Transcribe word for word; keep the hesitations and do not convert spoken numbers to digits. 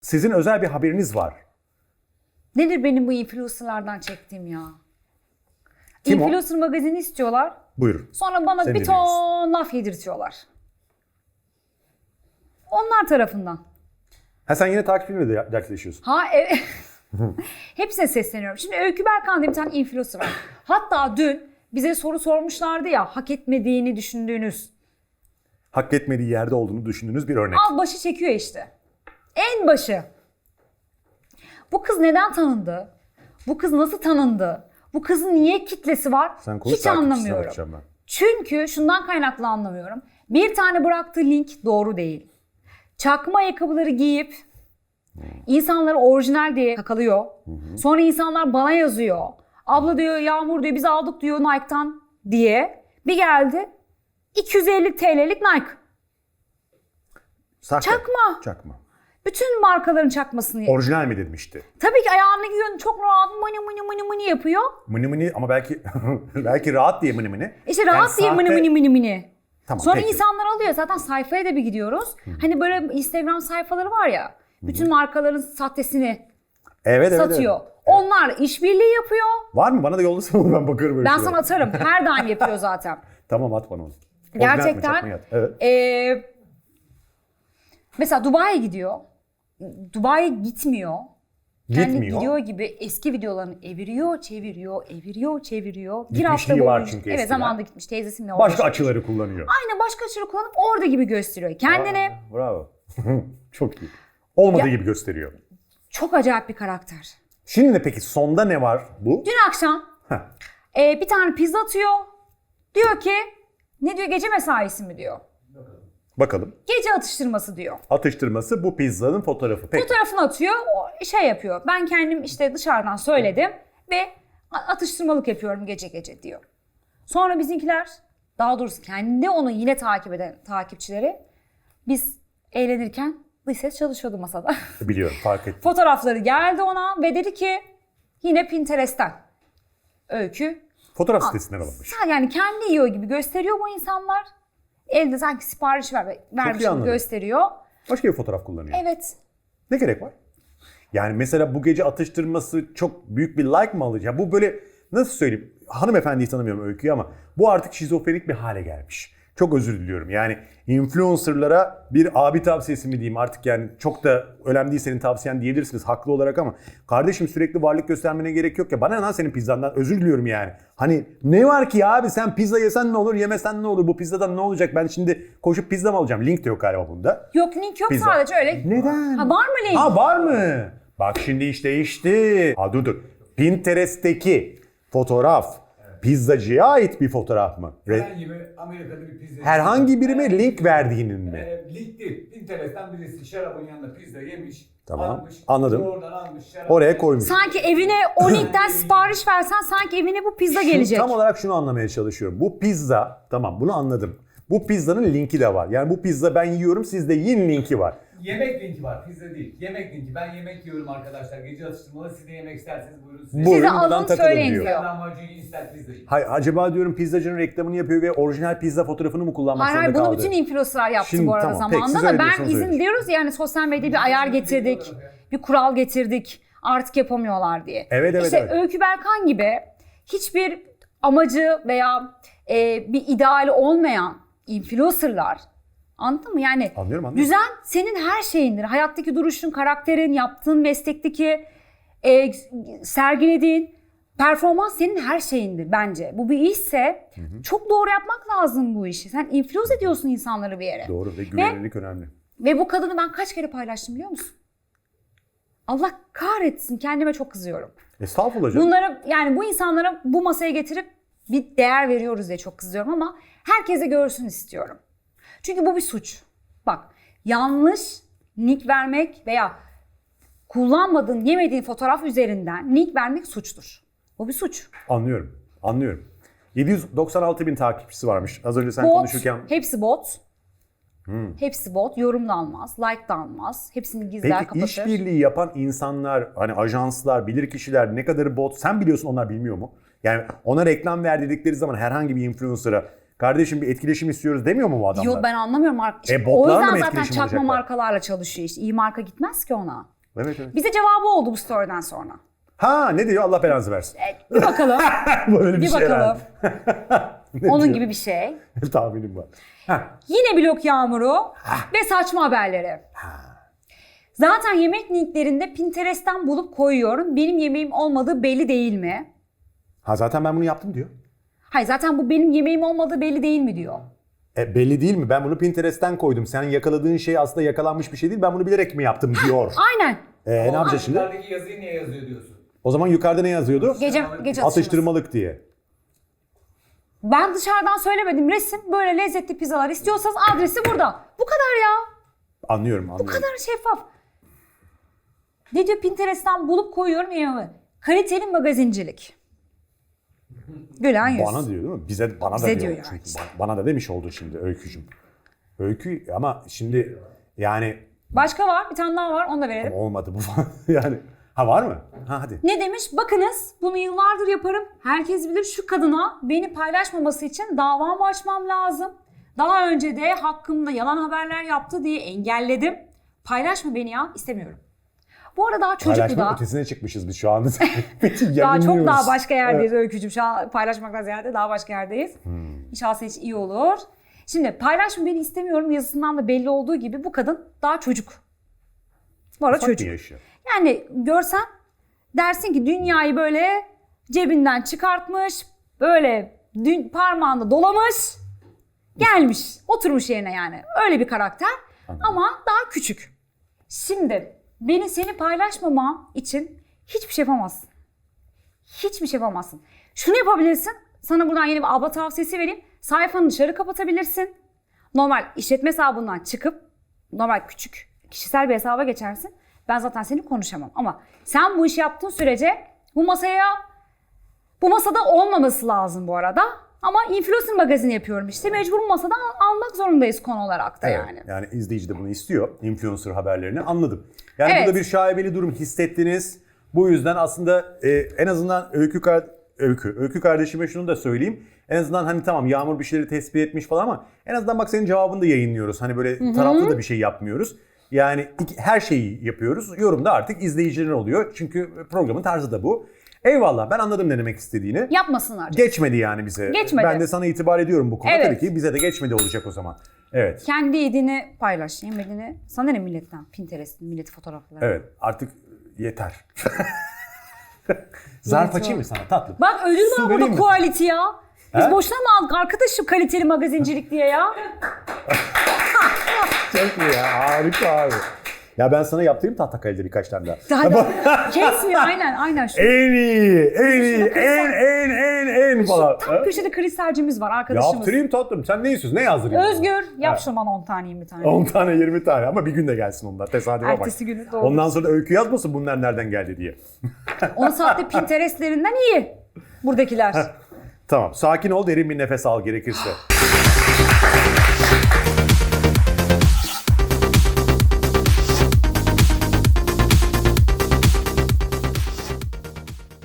Sizin özel bir haberiniz var. Nedir benim bu influencerlardan çektiğim ya? Kim o? Influencer magazini istiyorlar. Buyur. Sonra bana Seni bir ton laf yedirtiyorlar. Onlar tarafından. Ha sen yine takipçilerle de dertleşiyorsun. Ha evet. Hepsine sesleniyorum. Şimdi Öykü Berkan diye bir tane influencer var. Hatta dün bize soru sormuşlardı ya, hak etmediğini düşündüğünüz. Hak etmediği yerde olduğunu düşündüğünüz bir örnek. Al başı çekiyor işte. En başı. Bu kız neden tanındı? Bu kız nasıl tanındı? Bu kızın niye kitlesi var? Sen konuş, Hiç takipçisine anlamıyorum. bakacağım ben. Çünkü şundan kaynaklı anlamıyorum. Bir tane bıraktığı link doğru değil. Çakma ayakkabıları giyip insanları orijinal diye kakalıyor. Sonra insanlar bana yazıyor. Abla diyor, Yağmur diyor, biz aldık diyor Nike'tan diye. Bir geldi iki yüz elli T L'lik Nike. Sahte. Çakma. Çakma. Bütün markaların çakmasını. Orijinal mi demişti? Tabii ki ayağını giyiyor, çok rahat mını mını mını mını yapıyor. Mını mını ama belki belki rahat diye mını mını. İşte rahat diye mını mını mını mını. Tamam, Sonra peki. insanlar alıyor. Zaten sayfaya da bir gidiyoruz. Hani böyle Instagram sayfaları var ya. Bütün markaların sahtesini Evet, evet, satıyor. evet. Onlar işbirliği yapıyor. Var mı? Bana da yollasana onu, ben bakarım öyle Ben şeylere. sana atarım. Her daim yapıyor zaten. Tamam, at bana onu. Orijinal mi, Gerçekten. çakma yat? Evet. Ee, mesela Dubai'ye gidiyor. Dubai'ye gitmiyor. Kendi Gitmiyor. gidiyor gibi eski videolarını eviriyor, çeviriyor, eviriyor, çeviriyor. Bir Gitmişliği hafta var boyunca. çünkü Evet, eskiden. zamanında gitmiş. Teyzesinle orada Başka yaşamış. açıları kullanıyor. Aynen, başka açıları kullanıp orada gibi gösteriyor. Kendini Aa, bravo. Çok iyi. Olmadığı Ya- gibi gösteriyor. çok acayip bir karakter. Şimdi peki sonda ne var bu? Dün akşam Heh. e, bir tane pizza atıyor. Diyor ki, ne diyor, gece mesaisi mi diyor. Bakalım. Gece atıştırması diyor. Atıştırması bu pizzanın fotoğrafı. Peki. Fotoğrafını atıyor, o şey yapıyor. Ben kendim işte dışarıdan söyledim ve atıştırmalık yapıyorum gece gece diyor. Sonra bizimkiler, daha doğrusu kendi onu yine takip eden takipçileri, biz eğlenirken dış ses çalışıyordu masada. Biliyorum, fark ettim. Fotoğrafları geldi ona ve dedi ki, yine Pinterest'ten Öykü. Fotoğraf sitesinden alınmış. Sen yani kendi yiyor gibi gösteriyor bu insanlar. Elde sanki sipariş ver, vermiş gibi anladım. gösteriyor. Başka bir fotoğraf kullanıyor. Evet. Ne gerek var? Yani mesela bu gece atıştırması çok büyük bir like mı alacak? Bu böyle, nasıl söyleyeyim? Hanımefendiyi tanımıyorum Öykü'yü ama bu artık şizofrenik bir hale gelmiş. Çok özür diliyorum. Yani influencerlara bir abi tavsiyesi mi diyeyim artık, yani çok da önemli değil senin tavsiyen diyebilirsiniz haklı olarak ama kardeşim sürekli varlık göstermene gerek yok ya. Bana ne lan senin pizzandan, özür diliyorum yani. Hani ne var ki abi, sen pizza yesen ne olur, yemesen ne olur, bu pizzadan ne olacak, ben şimdi koşup pizza mı alacağım? Link de yok galiba bunda. Yok, link yok, Pizza. sadece öyle. Neden? Ha, var mı link? Ha, var mı? Bak şimdi iş değişti. Ha dur dur. Pinterest'teki fotoğraf pizzacıya ait bir fotoğraf mı? Re- Herhangi bir Amerika'da bir pizza. Herhangi birine link verdiğinin mi? E, link değil. Pinterest'ten birisi şarabın yanında pizza yemiş. Tamam, Almış, anladım. Oradan almış. Şarabı Oraya yemiş. koymuş. Sanki evine o linkten sipariş versen sanki evine bu pizza Şu- gelecek. Tam olarak şunu anlamaya çalışıyorum. Bu pizza, tamam bunu anladım. Bu pizzanın linki de var. Yani bu pizza ben yiyorum, siz de yiyin linki var. Yemek linki var. Pizza değil. Yemek linki. Ben yemek yiyorum arkadaşlar. Gece atıştırmalı. Siz de yemek isterseniz buyurun. Size. Buyurun, Size buradan alın, takılın söyleyin diyor. diyor. İster lahmacun yiyin, ister pizza yiyin. Hayır, acaba diyorum pizzacının reklamını yapıyor ve orijinal pizza fotoğrafını mı kullanmak Hayır hayır, zorunda bunu kaldı? bütün influencerlar yaptı Şimdi bu arada tamam, peki, zamanında siz da öyle ben diyorsanız izin öyle. diyoruz yani sosyal medyada bir ayar getirdik. Bir kural getirdik. Artık yapamıyorlar diye. Evet, evet, İşte evet. Öykü Berkan gibi hiçbir amacı veya e, bir ideali olmayan influencerlar, anladın mı? Yani Anlıyorum, anlıyorum. düzen senin her şeyindir. Hayattaki duruşun, karakterin, yaptığın meslekteki e, sergilediğin performans senin her şeyindir bence. Bu bir işse çok doğru yapmak lazım bu işi. Sen influence ediyorsun insanları bir yere. Doğru ve güvenilirlik önemli. Ve bu kadını ben kaç kere paylaştım biliyor musun? Allah kahretsin, kendime çok kızıyorum. Estağfurullah canım. Bunlara, yani bu insanlara bu masaya getirip bir değer veriyoruz diye çok kızıyorum ama herkese görsün istiyorum. Çünkü bu bir suç. Bak, yanlış link vermek veya kullanmadığın, yemediğin fotoğraf üzerinden link vermek suçtur. Bu bir suç. Anlıyorum, anlıyorum. yedi yüz doksan altı bin takipçisi varmış. Az önce sen Bot, konuşurken... hepsi bot. Hepsi bot. Yorum da almaz, like da almaz. Hepsini gizler, Peki kapatır. işbirliği yapan insanlar, hani ajanslar, bilirkişiler ne kadarı bot, sen biliyorsun onlar bilmiyor mu? Yani ona reklam ver dedikleri zaman herhangi bir influencer'a Kardeşim bir etkileşim istiyoruz demiyor mu bu adamlar? Yok ben anlamıyorum. Mark- E, o botlarla yüzden mı zaten etkileşim çakma olacaklar? markalarla çalışıyor işte. İyi marka gitmez ki ona. Evet evet. Bize cevabı oldu bu story'den sonra. Ha ne diyor Allah belanızı versin. E, bir bakalım. Böyle bir, bir şey bakalım. Ne Onun diyor? gibi bir şey. Tahminim var. Ha. Yine blok yağmuru ve saçma haberleri. Zaten yemek linklerinde Pinterest'ten bulup koyuyorum. Benim yemeğim olmadığı belli değil mi? ha zaten ben bunu yaptım diyor. Hayır zaten bu benim yemeğim olmadığı belli değil mi diyor. E, belli değil mi? Ben bunu Pinterest'ten koydum. Sen yakaladığın şey aslında yakalanmış bir şey değil. Ben bunu bilerek mi yaptım diyor. Aynen. E, ne yapacağız şimdi? Yukarıdaki yazıyı niye yazıyor diyorsun? O zaman yukarıda ne yazıyordu? Gece, gece atıştırması. Atıştırmalık diye. Ben dışarıdan söylemedim resim. Böyle lezzetli pizzalar istiyorsanız adresi burada. Bu kadar ya. Anlıyorum anlıyorum. Bu kadar şeffaf. Ne diyor Pinterest'ten bulup koyuyorum yemeğimi. Kaliteli magazincilik. Gülen yüz. Bana diyor değil mi? Bize bana Bize da diyor. diyor yani Çünkü işte. ba- bana da demiş oldu şimdi Öykücüm. Öykü ama şimdi yani Başka var. Bir tane daha var. Onu da verelim. olmadı bu falan. yani ha var mı? Ha hadi. Ne demiş? Bakınız bunu yıllardır yaparım. Herkes bilir şu kadına beni paylaşmaması için davamı açmam lazım. Daha önce de hakkımda yalan haberler yaptı diye engelledim. Paylaşma beni ya. istemiyorum. Bu arada daha çocuk bu Paylaşma da. ötesine çıkmışız biz şu anda. Daha çok Yayınlıyoruz. daha başka yerdeyiz Öykücüğüm. Şu an paylaşmaktan ziyade daha başka yerdeyiz. Hmm. İnşallah senin için iyi olur. Şimdi paylaşma beni istemiyorum yazısından da belli olduğu gibi bu kadın daha çocuk. Bu arada Ufak bir çocuk. yaşı. Yani görsen dersin ki dünyayı böyle cebinden çıkartmış, böyle dün parmağında dolamış, gelmiş, oturmuş yerine yani. Öyle bir karakter ama daha küçük. Şimdi beni seni paylaşmamam için hiçbir şey yapamazsın. Hiçbir şey yapamazsın. Şunu yapabilirsin. Sana buradan yeni bir abla tavsiyesi vereyim. Sayfanı dışarı kapatabilirsin. Normal işletme hesabından çıkıp normal küçük kişisel bir hesaba geçersin. Ben zaten seninle konuşamam. Ama sen bu işi yaptığın sürece bu masaya bu masada olmaması lazım bu arada. Ama influencer magazini yapıyorum işte. Mecbur bu masada al- almak zorundayız konu olarak da Evet, yani. yani izleyici de bunu istiyor. Influencer haberlerini anladım. Yani Evet. burada bir şaibeli durum hissettiniz. Bu yüzden aslında e, en azından Öykü, kar- Öykü, Öykü kardeşime şunu da söyleyeyim. En azından hani tamam Yağmur bir şeyleri tespit etmiş falan ama en azından bak senin cevabını da yayınlıyoruz. Hani böyle taraflı da bir şey yapmıyoruz. Yani iki- her şeyi yapıyoruz. Yorumda artık izleyicilerin oluyor. Çünkü programın tarzı da bu. Eyvallah ben anladım ne demek istediğini. Yapmasınlar. Geçmedi yani bize. Geçmedi. Ben de sana itibar ediyorum bu konuda. Evet. Tabii ki bize de geçmedi olacak o zaman. Evet. Kendi yediğini paylaş. Yemediğini. Sana ne milletten? Pinterest'in milleti fotoğrafları. Evet artık yeter. Zarf Evet, açayım mı sana tatlım? Bak ödül Su var vereyim burada mi? quality ya. Biz He? boşuna mı aldık arkadaşım kaliteli magazincilik diye ya? Çok iyi ya harika abi. Ya ben sana yaptırayım tahta kalede birkaç tane daha. Daha kesmiyor aynen aynen. Şu, En iyi, en iyi, Şurada en en en en falan. tam Ha? köşede kristalcimiz var arkadaşımız. Yaptırayım tatlım. Sen ne istiyorsun? Ne yazdırayım? Özgür yap Ha. şunu bana on tane yirmi tane. on tane yirmi tane ama bir günde gelsin onlar. Tesadüfe bak. Ertesi günü doğru. Ondan sonra da öykü yazmasın bunlar nereden geldi diye. on saatte Pinterestlerinden iyi buradakiler. Tamam sakin ol derin bir nefes al gerekirse.